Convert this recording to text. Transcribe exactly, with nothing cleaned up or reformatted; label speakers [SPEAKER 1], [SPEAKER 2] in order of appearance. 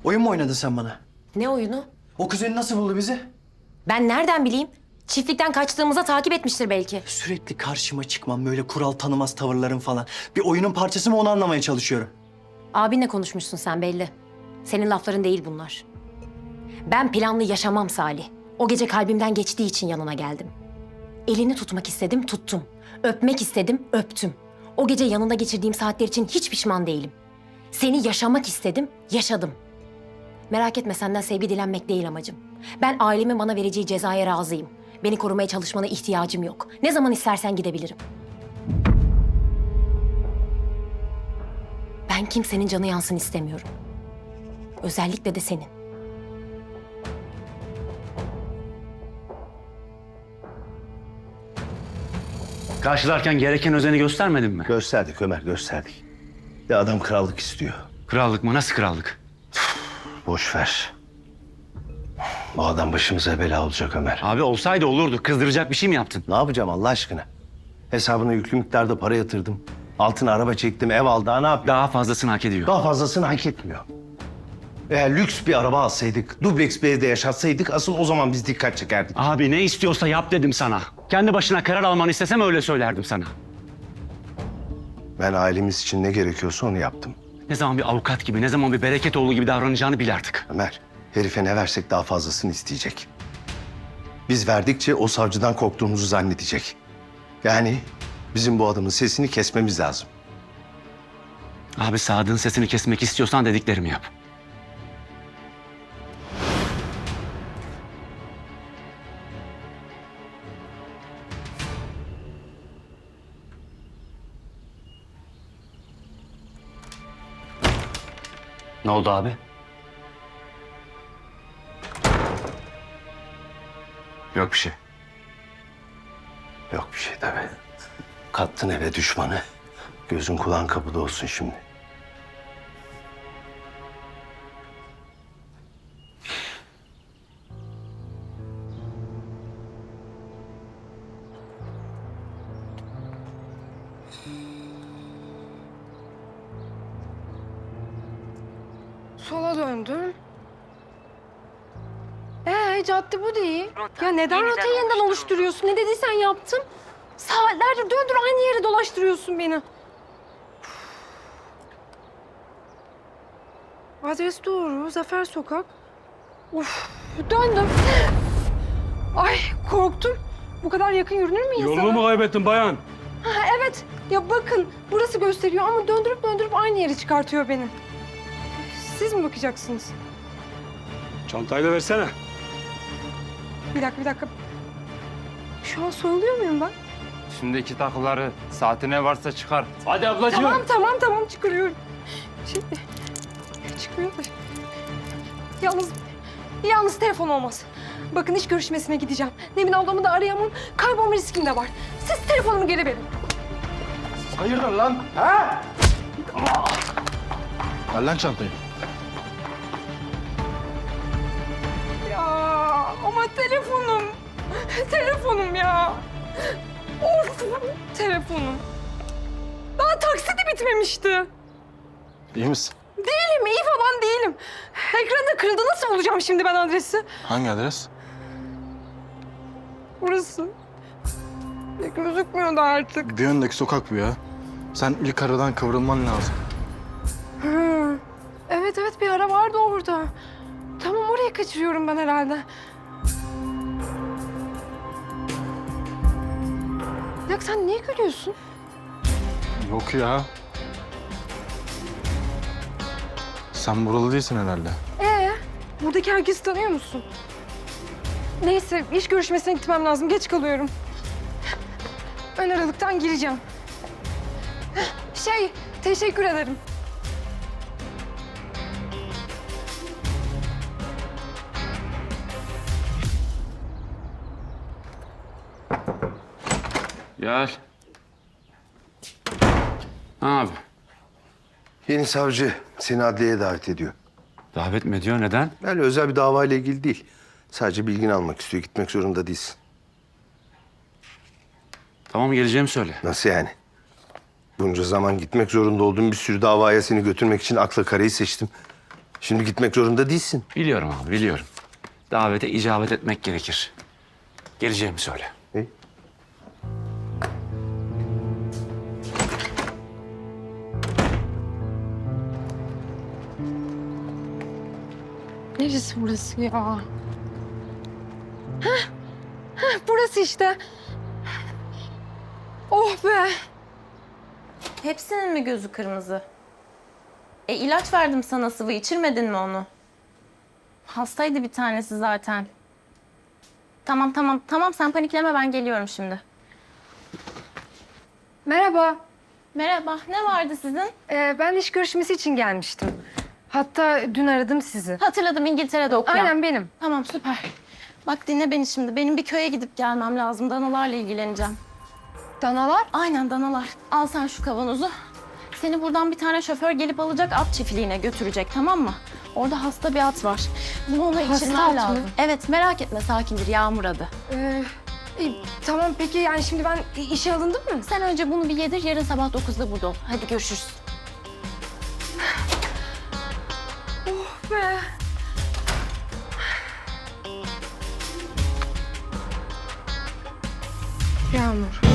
[SPEAKER 1] Oyun mu oynadın sen bana?
[SPEAKER 2] Ne oyunu?
[SPEAKER 1] O kuzeni nasıl buldu bizi?
[SPEAKER 2] Ben nereden bileyim? Çiftlikten kaçtığımızda takip etmiştir belki.
[SPEAKER 1] Sürekli karşıma çıkmam böyle kural tanımaz tavırların falan. Bir oyunun parçası mı onu anlamaya çalışıyorum.
[SPEAKER 2] Abinle konuşmuşsun sen belli. Senin lafların değil bunlar. Ben planlı yaşamam Salih. O gece kalbimden geçtiği için yanına geldim. Elini tutmak istedim, tuttum. Öpmek istedim, öptüm. O gece yanında geçirdiğim saatler için hiç pişman değilim. Seni yaşamak istedim, yaşadım. Merak etme, senden sevgi dilenmek değil amacım. Ben ailemin bana vereceği cezaya razıyım. Beni korumaya çalışmana ihtiyacım yok. Ne zaman istersen gidebilirim. Ben kimsenin canı yansın istemiyorum. Özellikle de senin.
[SPEAKER 3] Karşılarken gereken özeni göstermedin mi?
[SPEAKER 4] Gösterdik Ömer, gösterdik. Ya adam krallık istiyor.
[SPEAKER 3] Krallık mı? Nasıl krallık?
[SPEAKER 4] Boş ver. Bu adam başımıza bela olacak Ömer.
[SPEAKER 3] Abi olsaydı olurdu. Kızdıracak bir şey mi yaptın?
[SPEAKER 4] Ne yapacağım Allah aşkına? Hesabına yüklü miktarda para yatırdım. Altına araba çektim, ev aldı. Daha ne yapayım?
[SPEAKER 3] Daha fazlasını hak ediyor.
[SPEAKER 4] Daha fazlasını hak etmiyor. Eğer lüks bir araba alsaydık, dubleks bir evde yaşatsaydık asıl o zaman biz dikkat çekerdik.
[SPEAKER 3] Abi ne istiyorsa yap dedim sana. Kendi başına karar almanı istesem öyle söylerdim sana.
[SPEAKER 4] Ben ailemiz için ne gerekiyorsa onu yaptım.
[SPEAKER 3] Ne zaman bir avukat gibi, ne zaman bir Bereketoğlu gibi davranacağını bil artık.
[SPEAKER 4] Ömer, herife ne versek daha fazlasını isteyecek. Biz verdikçe o savcıdan korktuğumuzu zannedecek. Yani bizim bu adamın sesini kesmemiz lazım.
[SPEAKER 3] Abi Sadık'ın sesini kesmek istiyorsan dediklerimi yap. Ne oldu abi? Yok bir şey.
[SPEAKER 4] Yok bir şey tabii. Kattın eve düşmanı. Gözün kulağın kapıda olsun şimdi.
[SPEAKER 5] Sola döndüm. Ee, cadde bu değil. Ya neden rotayı yeniden oluşturuyorsun? Ne dediysen yaptım. Saatlerdir döndür aynı yere dolaştırıyorsun beni. Adres doğru. Zafer Sokak. Uf, döndüm. Ay korktum. Bu kadar yakın yürünür mü insana?
[SPEAKER 6] Yolunu mu kaybettin bayan?
[SPEAKER 5] Ha, evet. Ya bakın burası gösteriyor ama döndürüp döndürüp aynı yere çıkartıyor beni. Siz mi bakacaksınız?
[SPEAKER 6] Çantayı da versene.
[SPEAKER 5] Bir dakika, bir dakika. Şu an soyuluyor muyum ben?
[SPEAKER 7] Üstündeki takıları, saatine varsa çıkar.
[SPEAKER 6] Hadi ablacığım.
[SPEAKER 5] Tamam, tamam, tamam. Çıkarıyorum. Şey, çıkmıyor da. Yalnız, yalnız telefon olmaz. Bakın iş görüşmesine gideceğim. Nevin ablamı da arayamam. Kaybolma riskim de var. Siz telefonumu geri verin.
[SPEAKER 4] Hayırdır lan? Ha? Ver lan çantayı.
[SPEAKER 5] Ya ama telefonum. Telefonum ya. Of, telefonum. Daha taksi de bitmemişti.
[SPEAKER 8] İyi misin?
[SPEAKER 5] Değilim, iyi falan değilim. Ekranda kırıldı. Nasıl bulacağım şimdi ben adresi?
[SPEAKER 8] Hangi adres?
[SPEAKER 5] Burası. Ya gözükmüyor da artık.
[SPEAKER 8] Bir öndeki sokak bu ya. Sen ilk aradan kıvrılman lazım.
[SPEAKER 5] Hı. Evet evet bir ara vardı orada. Tamam oraya kaçırıyorum ben herhalde. Ya sen niye gülüyorsun?
[SPEAKER 8] Yok ya. Sen buralı değilsin herhalde.
[SPEAKER 5] Ee, buradaki herkesi tanıyor musun? Neyse iş görüşmesine gitmem lazım. Geç kalıyorum. Ön aralıktan gireceğim. Şey, teşekkür ederim.
[SPEAKER 7] Gel. Abi.
[SPEAKER 4] Yeni savcı seni adliyeye davet ediyor.
[SPEAKER 3] Davet mi ediyor? Neden?
[SPEAKER 4] Öyle özel bir davayla ilgili değil. Sadece bilgini almak istiyor. Gitmek zorunda değilsin.
[SPEAKER 3] Tamam geleceğimi söyle.
[SPEAKER 4] Nasıl yani? Bunca zaman gitmek zorunda olduğum bir sürü davaya seni götürmek için akla karayı seçtim. Şimdi gitmek zorunda değilsin.
[SPEAKER 3] Biliyorum abi, biliyorum. Davete icabet etmek gerekir. Geleceğimi söyle.
[SPEAKER 4] İyi.
[SPEAKER 5] Neresi burası ya? Heh, heh, burası işte. Oh be.
[SPEAKER 9] Hepsinin mi gözü kırmızı? E ilaç verdim sana sıvı, içirmedin mi onu? Hastaydı bir tanesi zaten. Tamam tamam tamam sen panikleme, ben geliyorum şimdi.
[SPEAKER 5] Merhaba.
[SPEAKER 9] Merhaba, ne vardı sizin?
[SPEAKER 5] Ee, ben iş görüşmesi için gelmiştim. Hatta dün aradım sizi.
[SPEAKER 9] Hatırladım, İngiltere'de okuyan.
[SPEAKER 5] Aynen benim.
[SPEAKER 9] Tamam süper. Bak dinle beni şimdi. Benim bir köye gidip gelmem lazım. Danalarla ilgileneceğim.
[SPEAKER 5] Danalar?
[SPEAKER 9] Aynen danalar. Al sen şu kavanozu. Seni buradan bir tane şoför gelip alacak, at çiftliğine götürecek, tamam mı? Orada hasta bir at var. Bunu ona
[SPEAKER 5] Hasta
[SPEAKER 9] içirmen
[SPEAKER 5] at mı?
[SPEAKER 9] lazım. Evet merak etme, sakindir, Yağmur adı.
[SPEAKER 5] Ee, e, tamam peki yani şimdi ben işe alındım mı?
[SPEAKER 9] Sen önce bunu bir yedir, yarın sabah dokuzda burada ol. Hadi görüşürüz.
[SPEAKER 5] Be. Yağmur.